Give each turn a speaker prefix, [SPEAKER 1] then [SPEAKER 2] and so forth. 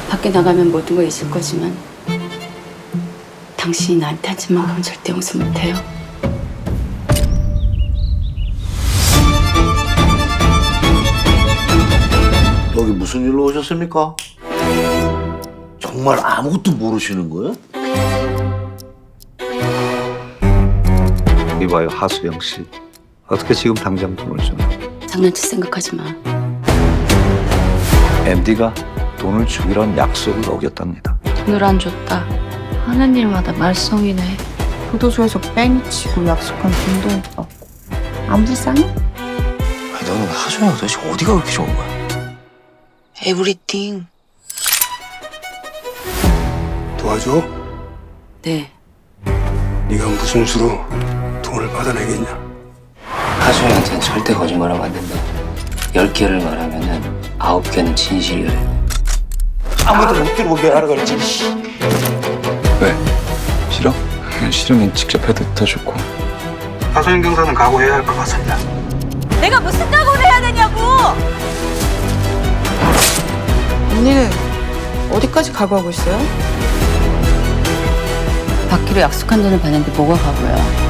[SPEAKER 1] 밖에 나가면 모든 거 있을 거지만 당신이 나한테 한 짓만큼은 절대 용서 못해요.
[SPEAKER 2] 여기 무슨 일로 오셨습니까? 정말 아무것도 모르시는 거예요?
[SPEAKER 3] 이봐요, 하수영 씨. 어떻게 지금 당장 돈을 주나?
[SPEAKER 1] 장난칠 생각하지 마.
[SPEAKER 3] MD가 돈을 주기로 약속을 어겼답니다.
[SPEAKER 4] 돈을 안 줬다 하는 일마다 말썽이네. 교도소에서 뺑이 치고 약속한 돈도 못 받고 안 불쌍해?
[SPEAKER 5] 아니, 너는 하소영 도대체 어디가 그렇게 좋은 거야?
[SPEAKER 4] 에브리띵.
[SPEAKER 6] 도와줘?
[SPEAKER 1] 네.
[SPEAKER 6] 네가 무슨 수로 돈을 받아내겠냐?
[SPEAKER 5] 하소영한테는 절대 거짓말하면 안 된다. 10개를 말하면은 9개는 진실이래.
[SPEAKER 2] 아무도 못 들어보게 하라 그랬지.
[SPEAKER 3] 왜? 싫어? 싫으면 직접 해도 더 좋고.
[SPEAKER 6] 하소영 경사는 각오해야 할 것 같습니다.
[SPEAKER 7] 내가 무슨 각오를 해야 되냐고!
[SPEAKER 4] 언니는 어디까지 각오하고 있어요?
[SPEAKER 1] 받기로 약속한 돈을 받는데 뭐가 가고야.